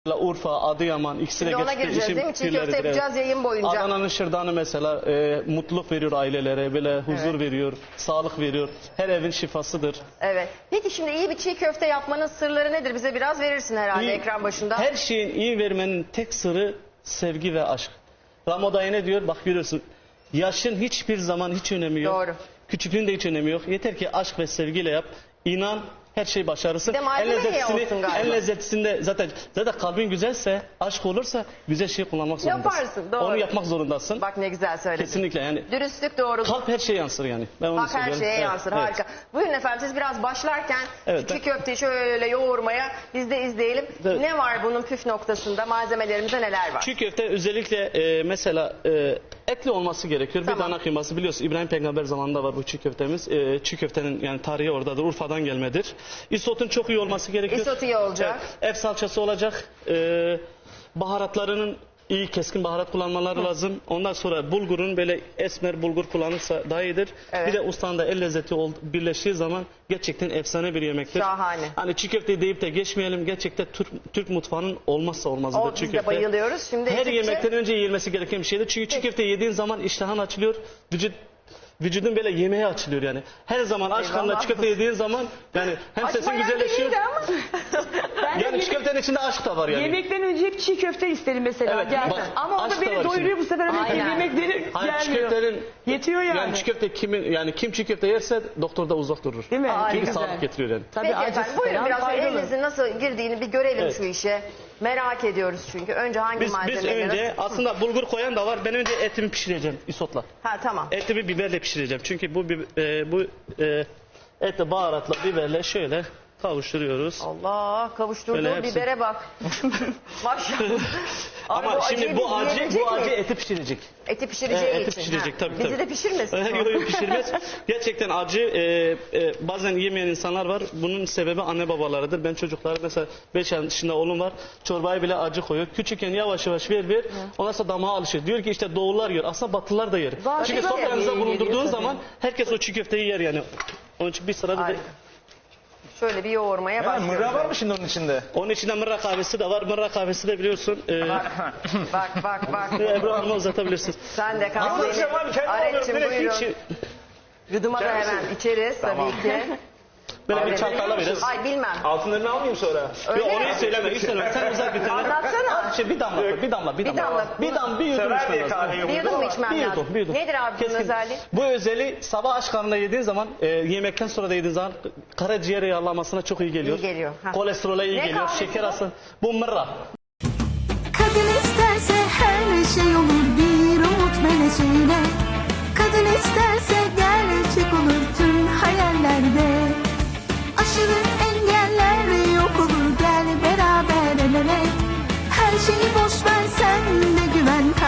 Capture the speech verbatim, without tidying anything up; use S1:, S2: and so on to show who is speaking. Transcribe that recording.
S1: Urfa, Adıyaman ikisine
S2: Şimdi ona
S1: geçti.
S2: gireceğiz değil mi? Çiğ köfte yapacağız yayın boyunca.
S1: Adana'nın şırdanı mesela e, mutluluk veriyor ailelere, böyle huzur
S2: Evet.
S1: veriyor, sağlık veriyor. Her evin şifasıdır.
S2: Evet. Peki şimdi iyi bir çiğ köfte yapmanın sırları nedir? Bize biraz verirsin herhalde
S1: İyi-
S2: ekran başında.
S1: Her şeyin iyi vermenin tek sırrı sevgi ve aşk. Ramadayı ne diyor? Bak görüyorsun. Yaşın hiçbir zaman hiç önemi yok.
S2: Doğru.
S1: Küçüklüğün de hiç önemi yok. Yeter ki aşk ve sevgiyle yap. İnan her şey başarırsın.
S2: Bir de malzeme iyi
S1: lezzetlisini,
S2: olsun galiba.
S1: en lezzetlisinde zaten zaten kalbin güzelse, aşk olursa güzel şey kullanmak zorundasın.
S2: Yaparsın, doğru.
S1: Onu yapmak zorundasın.
S2: Bak ne güzel söyledin.
S1: Kesinlikle yani.
S2: Dürüstlük, doğruluk.
S1: Kalp her şeye yansır yani. Ben onu
S2: Bak her
S1: söylüyorum.
S2: şeye
S1: Evet,
S2: yansır.
S1: evet.
S2: Harika. Buyurun efendim, siz biraz başlarken
S1: Evet,
S2: çiğ
S1: ben-
S2: köfteyi şöyle yoğurmaya biz de izleyelim.
S1: Evet.
S2: Ne var bunun püf noktasında? Malzemelerimizde neler var?
S1: Çiğ köfte özellikle e, mesela e, etli olması gerekiyor.
S2: Tamam.
S1: Bir dana kıyması, biliyorsun İbrahim Peygamber zamanında var bu çiğ köftemiz. E, çiğ köftenin yani tarihi oradadır. Urfa'dan gelmedir. İsotun çok iyi olması gerekiyor.
S2: Isot iyi olacak.
S1: Evet, ev salçası olacak. E, baharatlarının iyi keskin baharat kullanmaları lazım. Ondan sonra bulgurun böyle esmer bulgur kullanırsa daha iyidir.
S2: Evet.
S1: Bir de ustanın da el lezzeti ol- birleştiği zaman gerçekten efsane bir yemektir.
S2: Şahane.
S1: Hani çiğ köfte deyip de geçmeyelim. Gerçekten Türk, Türk mutfağının olmazsa olmazıdır
S2: O,
S1: çiğ
S2: biz de
S1: köfte.
S2: bayılıyoruz. Şimdi
S1: Her
S2: ekipçe-
S1: yemekten önce yenilmesi gereken bir şeydir. Çünkü çiğ köfte yediğin zaman iştahın açılıyor. Vücut vücudun böyle yemeğe açılıyor yani. Her zaman aç karnına
S2: Eyvallah.
S1: çiğ köfte yediğin zaman yani hem sesin
S2: Açmayan
S1: güzelleşiyor.
S2: değildi ama.
S3: Ben de
S1: Yani
S3: yemek-
S1: çiğ köftenin içinde aşk da var yani.
S3: Yemekten önce hep çiğ köfte isterim mesela.
S1: Evet,
S3: Gel.
S1: bak,
S3: Ama o
S1: aşk
S3: da
S1: da
S3: beni
S1: var
S3: doyuruyor
S1: şimdi.
S3: bu sefer ama
S2: Aynen.
S3: yemekleri
S1: Hayır, çiğ
S3: gelmiyor.
S1: köftenin
S3: Yetiyor yani.
S1: Yani çiğ köfte kimin yani kim çiğ köfte yerse doktorda uzak durur.
S3: Değil mi?
S2: Aa,
S1: Çünkü
S2: ne güzel.
S1: sağlık getiriyor yani.
S3: Tabii
S2: Peki
S3: acısı
S2: efendim, buyurun
S3: falan
S2: biraz
S3: faydalı.
S2: elinizin nasıl girdiğini bir görelim
S1: Evet.
S2: şu işe. Merak ediyoruz çünkü. Önce hangi
S1: Biz, biz
S2: malzemeleri?
S1: önce aslında bulgur koyan da var. Ben önce etimi pişireceğim isotla.
S2: Ha tamam.
S1: Etimi biberle pişireceğim. Çünkü bu bi- e, bu e, eti baharatla biberle şöyle kavuşturuyoruz.
S2: Allah, kavuşturduğu
S1: Öyle hepsi-
S2: bibere bak. Maşallah. Abi
S1: Ama şimdi
S2: acıyı
S1: bu
S2: biz
S1: acı
S2: yiyebilecek
S1: bu acı
S2: miyiz?
S1: eti pişirecek.
S2: Eti pişireceği
S1: Evet, eti
S2: için.
S1: pişirecek
S2: Ha.
S1: tabii
S2: Bizi
S1: tabii.
S2: de pişirmesin.
S1: Yok yok pişirmez. Gerçekten acı e, e, bazen yemeyen insanlar var. Bunun sebebi anne babalarıdır. Ben çocuklara mesela beş yaşında oğlum var. Çorbaya bile acı koyuyor. Küçükken yavaş yavaş ver ver. Ondan sonra damağa alışır. Diyor ki işte doğullar yer. Aslında batılılar da yer.
S2: Zaten
S1: Çünkü
S2: öyle.
S1: sofranızda
S2: Geliyor
S1: bulundurduğun
S2: tabii.
S1: zaman herkes o çiğ köfteyi yer yani. Onun için bir sırada da
S2: Harika. Şöyle bir yoğurmaya
S4: Ha,
S2: başlıyoruz.
S4: mırra var mı şimdi onun içinde?
S1: onun içinde mırra kahvesi de var. Mırra kahvesi de biliyorsun. E,
S2: Bak bak bak.
S1: Ebru Hanım'a uzatabilirsiniz.
S2: Sen de kal
S4: Nasıl
S2: beni.
S4: içeceğim abi? Kendim
S2: Aretçim
S4: alıyorum, direkt
S2: buyurun.
S1: Hiç,
S2: Gıdıma da
S4: İçer
S2: hemen
S4: misin?
S2: içeriz
S4: Tamam.
S2: tabii ki.
S1: böyle bir
S2: Abi,
S1: çalkala biraz.
S2: Ay bilmem.
S4: Altınlarını almayayım sonra.
S2: Öyle
S1: Yok
S2: mi?
S1: onu söyleme, hiç söyleme. Sen uzak bir tane.
S2: Anlatsana.
S1: Şey, bir damla, koy, bir damla, bir damla.
S2: damla.
S1: Bir damla, bir yudum
S4: Sever
S1: içmen
S4: diye
S1: lazım.
S4: kahveyi
S2: Bir yudum mu içmem
S1: Bir
S2: lazım?
S1: yudum, bir yudum.
S2: Nedir abi bunun
S1: Keskin.
S2: özelliği?
S1: Bu özelliği sabah aç karnına yediğin zaman, e, yemekten sonra da yediğin zaman karaciğer yağlamasına çok iyi geliyor.
S2: İyi geliyor, ha.
S1: Kolesterole iyi
S2: Ne
S1: geliyor.
S2: kahvesi
S1: Şeker
S2: bu?
S1: hastalığı. Bu mırra.
S5: Kadın isterse her şey olur bir umut meleğiyle. Kadın isterse gerçek olur tüm hayallerde. Aşırı engeller yok olur gel beraber el ele. Her şeyi boş ver sen de güven